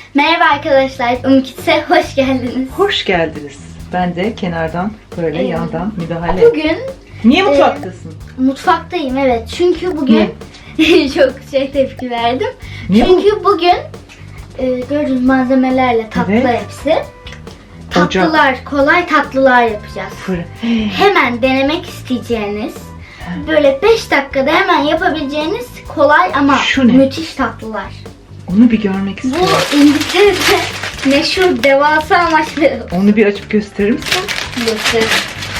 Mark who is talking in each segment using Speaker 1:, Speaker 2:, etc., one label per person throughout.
Speaker 1: Merhaba arkadaşlar, Umkit'e hoş geldiniz.
Speaker 2: Hoş geldiniz. Ben de kenardan böyle yandan müdahale.
Speaker 1: Bugün
Speaker 2: Niye mutfaktasın?
Speaker 1: Mutfaktayım, evet. Çünkü bugün çok tepki verdim.
Speaker 2: Niye
Speaker 1: Çünkü bugün gördüğünüz malzemelerle tatlı
Speaker 2: Evet.
Speaker 1: hepsi. Tatlılar, kolay tatlılar yapacağız. Hemen denemek isteyeceğiniz, böyle 5 dakikada hemen yapabileceğiniz kolay ama
Speaker 2: Şu ne?
Speaker 1: müthiş tatlılar.
Speaker 2: Onu bir görmek istiyorum.
Speaker 1: Bu İngiltere'de meşhur devasa marshmallow.
Speaker 2: Onu bir açıp gösterir misin?
Speaker 1: Gösterin.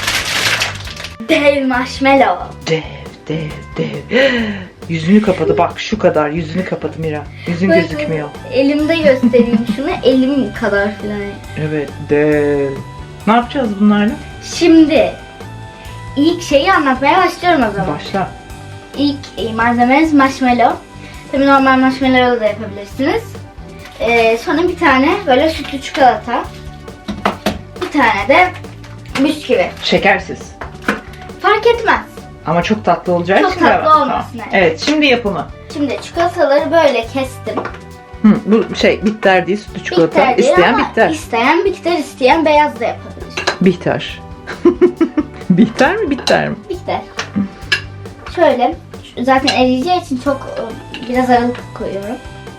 Speaker 1: Dev marshmallow.
Speaker 2: Dev. Yüzünü kapadı. Bak şu kadar. Yüzünü kapadı Mira. Yüzün
Speaker 1: Böyle
Speaker 2: gözükmüyor.
Speaker 1: Elimde göstereyim şunu. Elim kadar falan.
Speaker 2: Evet dev. Ne yapacağız bunlarla?
Speaker 1: Şimdi ilk şeyi anlatmaya başlıyorum o zaman.
Speaker 2: Başla.
Speaker 1: İlk malzemeniz marshmallow. Tabii normal marshmallow da yapabilirsiniz. Sonra bir tane böyle sütlü çikolata. Bir tane de bisküvi.
Speaker 2: Şekersiz.
Speaker 1: Fark etmez.
Speaker 2: Ama çok tatlı olacağı
Speaker 1: Çok
Speaker 2: için
Speaker 1: tatlı
Speaker 2: de var.
Speaker 1: olmasın,
Speaker 2: Tamam.
Speaker 1: evet.
Speaker 2: Evet şimdi yapımı.
Speaker 1: Şimdi çikolataları böyle kestim.
Speaker 2: Bu bitter değil, sütlü çikolata.
Speaker 1: Bitter değil
Speaker 2: İsteyen
Speaker 1: ama
Speaker 2: bitter.
Speaker 1: İsteyen bitter, isteyen beyaz da yapabilir.
Speaker 2: Bitter. Bitter mi bitter mi?
Speaker 1: Bitter. Şöyle, zaten eriyeceği için çok biraz aralık koyuyorum.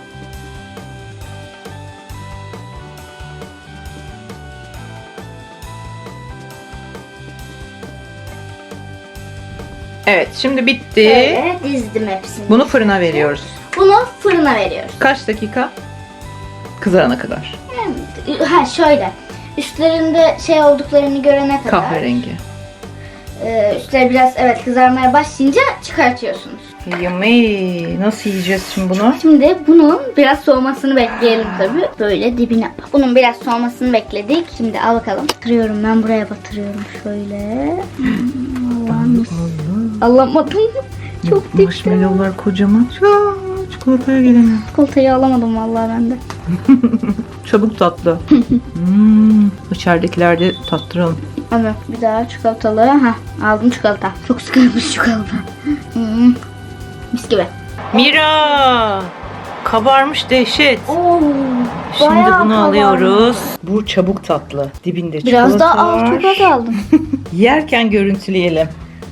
Speaker 2: Evet şimdi bitti.
Speaker 1: Böyle dizdim hepsini.
Speaker 2: Bunu fırına veriyoruz.
Speaker 1: Bunu fırına veriyoruz.
Speaker 2: Kaç dakika? Kızarana kadar.
Speaker 1: Ha şöyle, üstlerinde şey olduklarını görene kadar.
Speaker 2: Kahverengi.
Speaker 1: Üstleri biraz kızarmaya başlayınca çıkartıyorsunuz.
Speaker 2: Yummy. Nasıl yiyeceğiz şimdi bunu?
Speaker 1: Şimdi bunun biraz soğumasını bekleyelim tabii. Böyle dibine. Bunun biraz soğumasını bekledik. Şimdi al bakalım. Batırıyorum, ben buraya batırıyorum şöyle. Allah'ım. Alamadım. Çok dikti.
Speaker 2: Marshmallowlar kocaman. Çikolataya gelemiyor.
Speaker 1: Çikolatayı alamadım vallahi ben de.
Speaker 2: Çabuk tatlı. İçeridekiler de tattıralım.
Speaker 1: Evet, bir daha çikolatalı. Aldım çikolata. Çok sıkılmış çikolata. Mis gibi.
Speaker 2: Mira! Kabarmış dehşet.
Speaker 1: Oo,
Speaker 2: Şimdi
Speaker 1: bayağı
Speaker 2: bunu
Speaker 1: kabarmış.
Speaker 2: alıyoruz. Bu çabuk tatlı. Dibinde
Speaker 1: Biraz
Speaker 2: çikolata
Speaker 1: daha
Speaker 2: var.
Speaker 1: çikolata aldım.
Speaker 2: Yerken görüntüleyelim.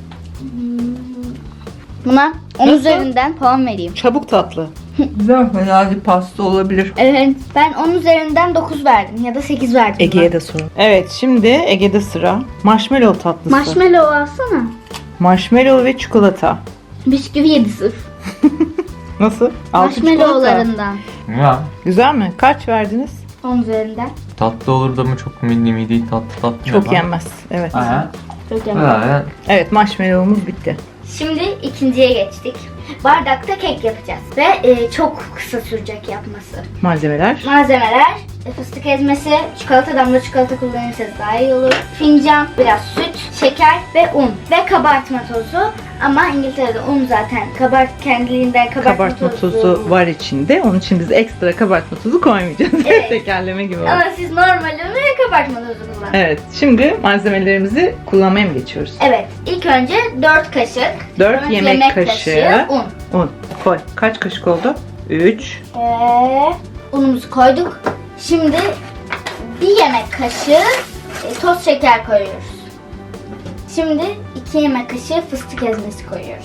Speaker 1: Buna 10
Speaker 2: Nasıl?
Speaker 1: üzerinden puan vereyim.
Speaker 2: Çabuk tatlı. Güzel. Herhalde pasta olabilir.
Speaker 1: Evet, ben 10 üzerinden 9 verdim ya da 8 verdim.
Speaker 2: Ege'ye de sorun. Evet şimdi Ege'de sıra. Marshmallow tatlısı.
Speaker 1: Marshmallow alsana.
Speaker 2: Marshmallow ve çikolata.
Speaker 1: Bisküvi yedi sırf.
Speaker 2: Nasıl? Altı çikolata.
Speaker 1: Marshmallowlarından.
Speaker 3: Ya
Speaker 2: Güzel mi? Kaç verdiniz?
Speaker 1: 10 üzerinden.
Speaker 3: tatlı olurdu ama çok midi tatlı.
Speaker 2: Çok yenmez. Evet.
Speaker 3: Aha.
Speaker 1: Çok önemli.
Speaker 3: Ha.
Speaker 2: Evet marshmallow'umuz bitti.
Speaker 1: Şimdi ikinciye geçtik. Bardakta kek yapacağız ve çok kısa sürecek yapması.
Speaker 2: Malzemeler.
Speaker 1: Malzemeler: fıstık ezmesi, çikolata, damla çikolata kullanırsanız daha iyi olur. Fincan, biraz süt, şeker ve un ve kabartma tozu. Ama İngiltere'de un zaten kendiliğinden
Speaker 2: Kabartma tozu var içinde. Onun için biz ekstra kabartma tozu koymayacağız.
Speaker 1: Evet.
Speaker 2: Tekerleme gibi oldu.
Speaker 1: Ama siz normal unu ve kabartma tozu kullanın.
Speaker 2: Evet. Şimdi malzemelerimizi kullanmaya mı geçiyoruz?
Speaker 1: Evet. İlk önce 4 kaşık.
Speaker 2: 4
Speaker 1: sonra
Speaker 2: yemek kaşığı
Speaker 1: un.
Speaker 2: un. Koy. Kaç kaşık oldu? 3.
Speaker 1: Unumuzu koyduk. Şimdi 1 yemek kaşığı toz şeker koyuyoruz. Şimdi 2 yemek kaşığı fıstık ezmesi koyuyoruz.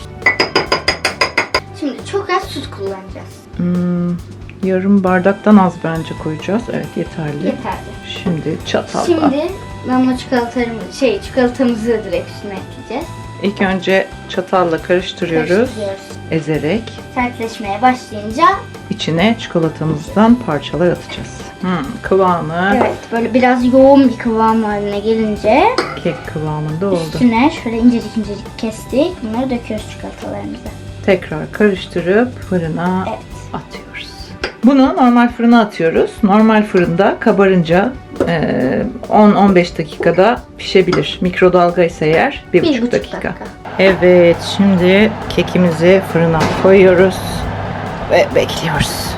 Speaker 1: Şimdi çok az süt kullanacağız.
Speaker 2: Yarım bardaktan az bence koyacağız. Evet yeterli.
Speaker 1: Yeterli.
Speaker 2: Şimdi çatalla.
Speaker 1: Şimdi damla çikolatamızı direkt üstüne ekleyeceğiz.
Speaker 2: İlk önce çatalla karıştırıyoruz.
Speaker 1: Karıştırıyoruz.
Speaker 2: Ezerek
Speaker 1: Sertleşmeye başlayınca
Speaker 2: içine çikolatamızdan parçalar atacağız. Kıvamı
Speaker 1: evet, böyle biraz yoğun bir kıvam haline gelince
Speaker 2: kek kıvamında oldu.
Speaker 1: üstüne şöyle incecik incecik kestik. Bunları döküyoruz çikolatalarımıza.
Speaker 2: Tekrar karıştırıp fırına
Speaker 1: Evet.
Speaker 2: atıyoruz. Bunu normal fırına atıyoruz. Normal fırında kabarınca 10-15 dakikada pişebilir. Mikrodalga ise eğer 1,5 dakika. Evet, şimdi kekimizi fırına koyuyoruz ve bekliyoruz.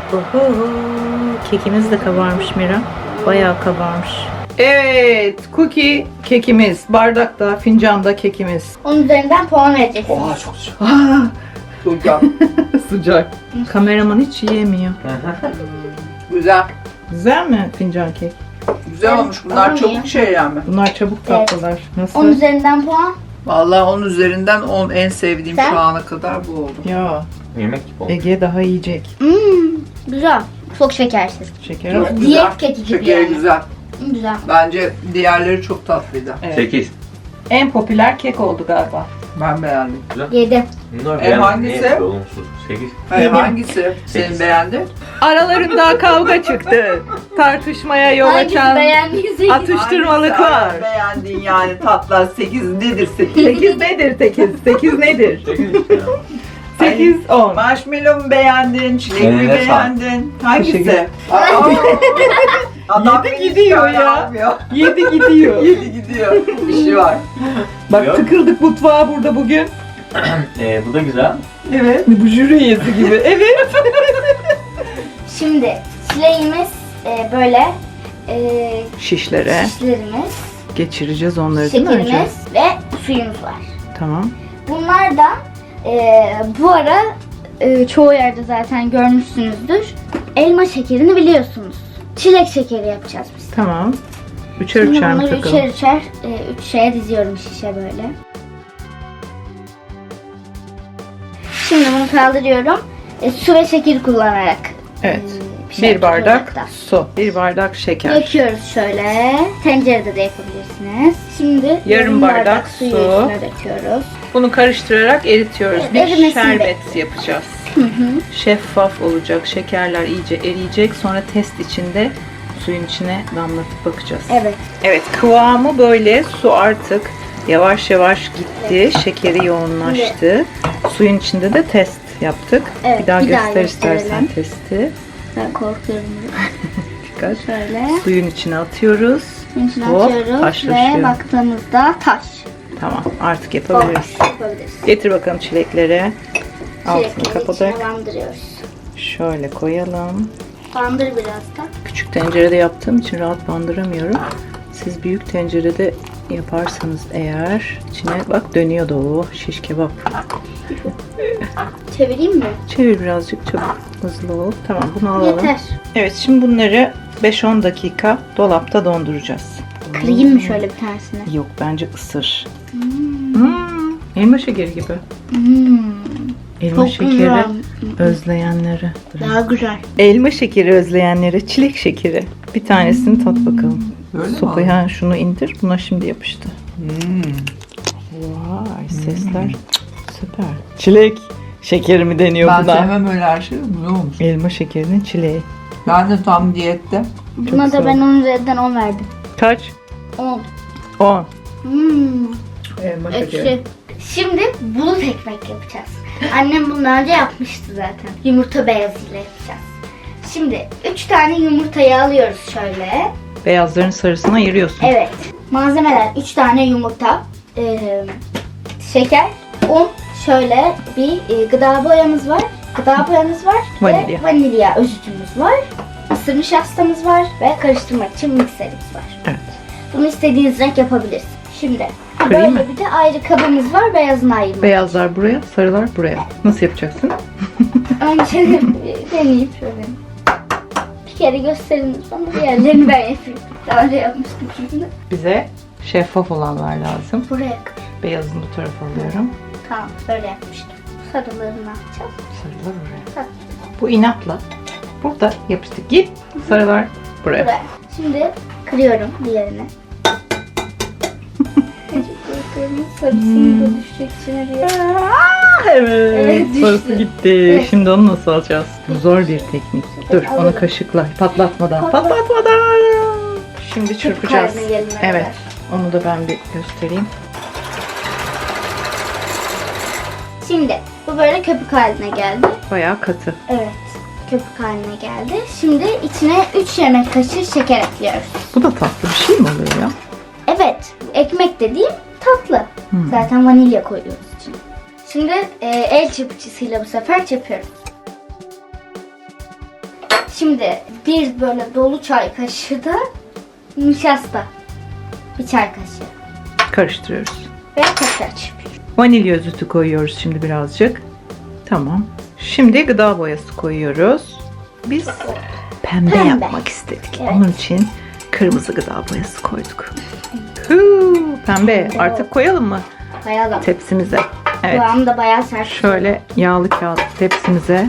Speaker 2: Kekimiz de kabarmış Mira. Bayağı kabarmış. Evet, cookie kekimiz. Bardakta, fincanda kekimiz.
Speaker 1: Onun üzerinden puan vereceksiniz.
Speaker 3: Oha çok sıcak.
Speaker 2: Sıcak. Kameraman hiç yiyemiyor.
Speaker 4: Güzel.
Speaker 2: Güzel mi fincan kek?
Speaker 4: Güzel olmuş. Bunlar
Speaker 1: Ama
Speaker 4: çabuk
Speaker 1: iyi.
Speaker 4: şey yani.
Speaker 2: Bunlar çabuk tatlılar. Nasıl?
Speaker 1: 10 üzerinden puan.
Speaker 4: Vallahi 10 üzerinden 10 en sevdiğim
Speaker 1: Sen?
Speaker 4: şu ana kadar bu oldu.
Speaker 2: Ya
Speaker 3: Yemek gibi oldu.
Speaker 2: Ege daha yiyecek.
Speaker 1: Güzel. Çok şekersiz.
Speaker 2: Şeker
Speaker 4: Çok
Speaker 2: al.
Speaker 4: güzel.
Speaker 1: Diyet keki gibi
Speaker 4: Şekeri
Speaker 1: yani.
Speaker 4: güzel.
Speaker 1: Güzel.
Speaker 4: Bence diğerleri çok tatlıydı.
Speaker 2: Evet.
Speaker 3: 8.
Speaker 2: En popüler kek oldu galiba.
Speaker 4: Ben beğendim.
Speaker 1: 7.
Speaker 3: Bunlar
Speaker 4: hangisi?
Speaker 3: ne olumsuz? 8.
Speaker 4: Hayır,
Speaker 2: Yedim.
Speaker 4: hangisi senin beğendin?
Speaker 2: Aralarında kavga çıktı. Tartışmaya yol
Speaker 1: Hangisi
Speaker 2: açan
Speaker 1: beğendiyse
Speaker 2: atıştırmalık
Speaker 4: Hangisi
Speaker 2: var.
Speaker 4: beğendiğin yani tatlar 8 nedir 8?
Speaker 2: 8 nedir 8? 8 nedir?
Speaker 3: 8 işte ya.
Speaker 2: 8, 10.
Speaker 4: Marshmallow mu beğendin? Çilek mi
Speaker 3: Eline
Speaker 4: beğendin? Hangisi?
Speaker 2: Teşekkür-
Speaker 4: Aa, Adam
Speaker 2: Yedi
Speaker 4: beni
Speaker 2: gidiyor
Speaker 4: şöyle
Speaker 2: ya.
Speaker 4: yapmıyor.
Speaker 2: 7 gidiyor.
Speaker 4: 7 gidiyor. İşi var.
Speaker 2: Bak
Speaker 3: Yok.
Speaker 2: tıkıldık mutfağa burada bugün.
Speaker 3: Bu da güzel.
Speaker 2: Evet. Bu jüri üyesi gibi. Evet.
Speaker 1: Şimdi çileğimiz böyle
Speaker 2: Şişlere
Speaker 1: şişlerimiz,
Speaker 2: geçireceğiz onları değil mi önce?
Speaker 1: şekerimiz ve suyumuz var.
Speaker 2: Tamam.
Speaker 1: Bunlar da bu ara çoğu yerde zaten görmüşsünüzdür. Elma şekerini biliyorsunuz. Çilek şekeri yapacağız biz.
Speaker 2: Tamam. Üçer
Speaker 1: Şimdi
Speaker 2: üçer mi
Speaker 1: bunları
Speaker 2: takalım?
Speaker 1: üçer üç şeye diziyorum şişe böyle. Şimdi bunu kaldırıyorum. Su ve şekeri kullanarak.
Speaker 2: Evet.
Speaker 1: pişen
Speaker 2: Bir bardak
Speaker 1: ocakta.
Speaker 2: su, bir bardak şeker.
Speaker 1: Döküyoruz şöyle. Tencerede de yapabilirsiniz. Şimdi
Speaker 2: Yarım bardak
Speaker 1: suyu
Speaker 2: su.
Speaker 1: üstüne döküyoruz.
Speaker 2: Bunu karıştırarak eritiyoruz.
Speaker 1: Evet,
Speaker 2: Bir
Speaker 1: erimesini
Speaker 2: şerbet yapacağız. Şeffaf olacak, şekerler iyice eriyecek. Sonra test içinde suyun içine damlatıp bakacağız.
Speaker 1: Evet.
Speaker 2: Evet, kıvamı böyle. Su artık yavaş yavaş gitti. Şekeri yoğunlaştı. Suyun içinde de test yaptık.
Speaker 1: Evet,
Speaker 2: bir daha
Speaker 1: bir daha
Speaker 2: göster istersen
Speaker 1: gösterelim.
Speaker 2: testi.
Speaker 1: Ben korkuyorum.
Speaker 2: Dikkat.
Speaker 1: Şöyle.
Speaker 2: Suyun içine atıyoruz.
Speaker 1: İçine
Speaker 2: Hop,
Speaker 1: atıyoruz
Speaker 2: taşlaşıyor.
Speaker 1: ve baktığımızda taş.
Speaker 2: Tamam, artık yapabiliriz.
Speaker 1: Yapabiliriz.
Speaker 2: Getir bakalım çilekleri. Altını
Speaker 1: Çilekleri
Speaker 2: kapatıp
Speaker 1: içine bandırıyoruz.
Speaker 2: şöyle koyalım.
Speaker 1: Bandır biraz da.
Speaker 2: Küçük tencerede yaptığım için rahat bandıramıyorum. Siz büyük tencerede yaparsanız eğer içine bak dönüyor da o şiş kebap.
Speaker 1: Çevireyim mi?
Speaker 2: Çevir birazcık çabuk hızlı ol. Tamam bunu alalım.
Speaker 1: Yeter.
Speaker 2: Evet şimdi bunları 5-10 dakika dolapta donduracağız.
Speaker 1: Kırayım mı şöyle bir tanesini?
Speaker 2: Yok bence ısır. Elma şekeri gibi. Elma
Speaker 1: Çok
Speaker 2: şekeri
Speaker 1: güzel.
Speaker 2: özleyenleri.
Speaker 1: Daha güzel.
Speaker 2: Elma şekeri özleyenlere çilek şekeri. Bir tanesini tat bakalım.
Speaker 4: Böyle mi
Speaker 2: Sopaya şunu indir. Buna şimdi yapıştı.
Speaker 4: Hmm.
Speaker 2: Vay sesler. Süper. Çilek şekeri mi deniyor
Speaker 4: Ben
Speaker 2: buna?
Speaker 4: sevmem öyle her şeyi. Güzel olmuş.
Speaker 2: Elma şekerinin çileği.
Speaker 4: Ben de tam diyette.
Speaker 1: Buna
Speaker 2: güzel.
Speaker 1: da ben 10 üzerinden 10 verdim.
Speaker 2: Kaç?
Speaker 1: 10.
Speaker 2: 10.
Speaker 4: Elma
Speaker 1: Ekşi. Şimdi bulut ekmek yapacağız. Annem bundan önce yapmıştı zaten. Yumurta beyazıyla yapacağız. Şimdi 3 tane yumurtayı alıyoruz şöyle.
Speaker 2: Beyazların sarısını ayırıyorsun.
Speaker 1: Evet. Malzemeler 3 tane yumurta, şeker, un, şöyle bir gıda boyamız var. Gıda boyamız var
Speaker 2: Vanilya.
Speaker 1: ve vanilya özütümüz var. Mısır nişastamız var ve karıştırmak için mikserimiz var.
Speaker 2: Evet.
Speaker 1: Bunu istediğiniz renk yapabilirsiniz. Şimdi
Speaker 2: Kırayım
Speaker 1: böyle
Speaker 2: mı?
Speaker 1: bir de ayrı kabımız var beyazını ayırmak.
Speaker 2: Beyazlar buraya, sarılar buraya. Nasıl yapacaksın?
Speaker 1: Önce deneyeyim şöyle. Bir kere gösterin bana, diğerlerini ben yapayım. Daha önce yapmıştım şimdi.
Speaker 2: Bize şeffaf olanlar lazım.
Speaker 1: Buraya kır.
Speaker 2: Beyazını bu tarafa alıyorum.
Speaker 1: Tamam, böyle yapmıştım. Sarılarını atacağız.
Speaker 2: Sarılar oraya.
Speaker 1: Tamam.
Speaker 2: Bu inatla. Burada yapıştık. Git. Sarılar buraya.
Speaker 1: Buraya. Şimdi kırıyorum diğerini. Sarısını da düşecek içine diye.
Speaker 2: Evet.
Speaker 1: Evet, düştü.
Speaker 2: Sarısı gitti.
Speaker 1: Evet.
Speaker 2: Şimdi onu nasıl alacağız? Bu zor bir teknik. Dur onu
Speaker 1: Alalım.
Speaker 2: kaşıkla. Patlatmadan. Patlatmadan. Şimdi çırpacağız.
Speaker 1: haline gelene
Speaker 2: Evet.
Speaker 1: kadar.
Speaker 2: Onu da ben bir göstereyim.
Speaker 1: Şimdi bu böyle köpük haline geldi.
Speaker 2: Bayağı katı.
Speaker 1: Evet. Köpük haline geldi. Şimdi içine 3 yemek kaşığı şeker ekliyoruz.
Speaker 2: Bu da tatlı bir şey mi oluyor ya?
Speaker 1: Evet. Ekmek dediğim tatlı. Zaten vanilya koyuyoruz içine. Şimdi el çırpıcısıyla bu sefer çırpıyoruz. Şimdi bir böyle dolu çay kaşığı da nişasta. Bir çay kaşığı.
Speaker 2: Karıştırıyoruz.
Speaker 1: Ve tekrar çırpıyoruz.
Speaker 2: Vanilya özütü koyuyoruz şimdi birazcık. Tamam. Şimdi gıda boyası koyuyoruz. Biz pembe yapmak istedik.
Speaker 1: Evet.
Speaker 2: Onun için kırmızı gıda boyası koyduk. Huu, pembe. Artık koyalım mı
Speaker 1: Koyalım.
Speaker 2: tepsimize? Evet.
Speaker 1: Kıvamı da bayağı sert.
Speaker 2: Şöyle yağlı kağıt tepsimize.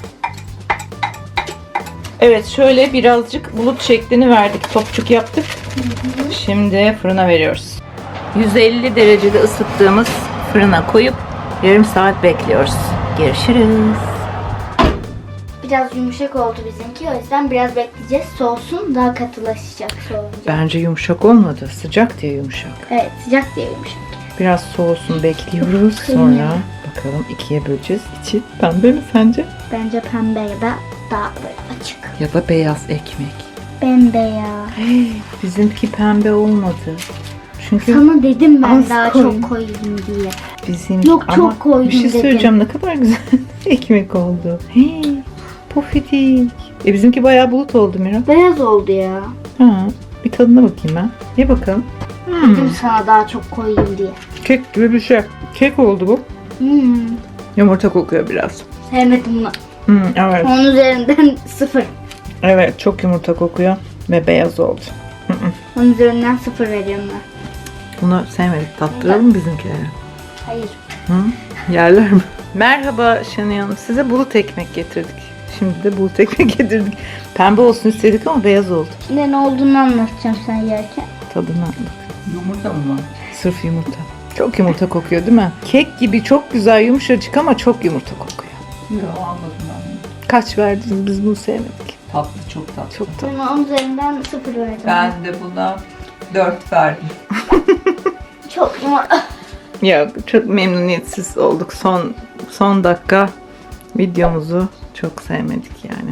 Speaker 2: Evet, şöyle birazcık bulut şeklini verdik. Topçuk yaptık. Şimdi fırına veriyoruz. 150 derecede ısıttığımız fırına koyup yarım saat bekliyoruz. Görüşürüz.
Speaker 1: Biraz yumuşak oldu bizimki. O yüzden biraz bekleyeceğiz. Soğusun, daha katılaşacak soğuyunca.
Speaker 2: Bence yumuşak olmadı. Sıcak diye yumuşak.
Speaker 1: Evet, sıcak diye yumuşak.
Speaker 2: Biraz soğusun bekliyoruz. Sonra bakalım ikiye böleceğiz. İçi pembe mi sence?
Speaker 1: Bence pembe ya da daha böyle açık.
Speaker 2: Ya da beyaz ekmek.
Speaker 1: Bembeyaz.
Speaker 2: Bizimki pembe olmadı. Çünkü
Speaker 1: Sana dedim ben
Speaker 2: Az
Speaker 1: daha
Speaker 2: koyun.
Speaker 1: çok koyayım diye.
Speaker 2: bizim
Speaker 1: Yok, çok
Speaker 2: ama
Speaker 1: koydum
Speaker 2: bir şey
Speaker 1: dedim.
Speaker 2: söyleyeceğim, ne kadar güzel ekmek oldu. Hey, pofidik. Bizimki bayağı bulut oldu Mira.
Speaker 1: Beyaz oldu ya.
Speaker 2: Ha, bir tadına bakayım ben. Ye bakalım.
Speaker 1: Dedim sana daha çok koyayım diye.
Speaker 2: Kek gibi bir şey. Kek oldu bu. Yumurta kokuyor biraz.
Speaker 1: Sevmedim bunu.
Speaker 2: Evet.
Speaker 1: Onun üzerinden 0.
Speaker 2: Evet, çok yumurta kokuyor ve beyaz oldu.
Speaker 1: Onun üzerinden 0 veriyorum ben.
Speaker 2: Bunu sevmedik. Tattıralım bizimkilere.
Speaker 1: Hayır.
Speaker 2: Hı? Yerler mi? Merhaba Şenay Hanım. Size bulut ekmek getirdik. Şimdi de bulut ekmek getirdik. Pembe olsun istedik ama beyaz oldu.
Speaker 1: Şimdi ne olduğunu anlatacağım sen yerken.
Speaker 2: Tadına bak.
Speaker 4: Yumurta mı var?
Speaker 2: Sırf yumurta. Çok yumurta kokuyor değil mi? Kek gibi çok güzel yumuşacık ama çok yumurta kokuyor.
Speaker 4: Yok almadım ben.
Speaker 2: Kaç verdiniz? Biz bunu sevmedik.
Speaker 4: Tatlı, çok tatlı.
Speaker 2: Çok tatlı.
Speaker 1: Ben onun üzerinden 0 verdim.
Speaker 4: Ben de buna 4 verdim.
Speaker 1: Çok
Speaker 2: Ya çok memnuniyetsiz olduk. Son dakika videomuzu çok sevmedik yani.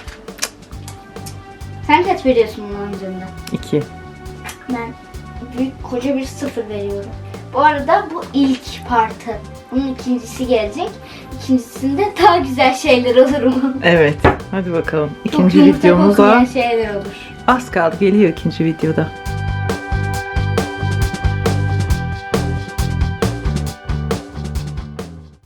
Speaker 1: Sen kaç veriyorsun bunun üzerinden?
Speaker 2: 2.
Speaker 1: Ben büyük koca bir 0 veriyorum. Bu arada bu ilk partı. Bunun ikincisi gelecek. İkincisinde daha güzel şeyler olur umarım.
Speaker 2: Evet. Hadi bakalım.
Speaker 1: Çok
Speaker 2: İkinci
Speaker 1: yumurta
Speaker 2: videomuza
Speaker 1: koklayan şeyler olur.
Speaker 2: az kaldı. Geliyor ikinci videoda.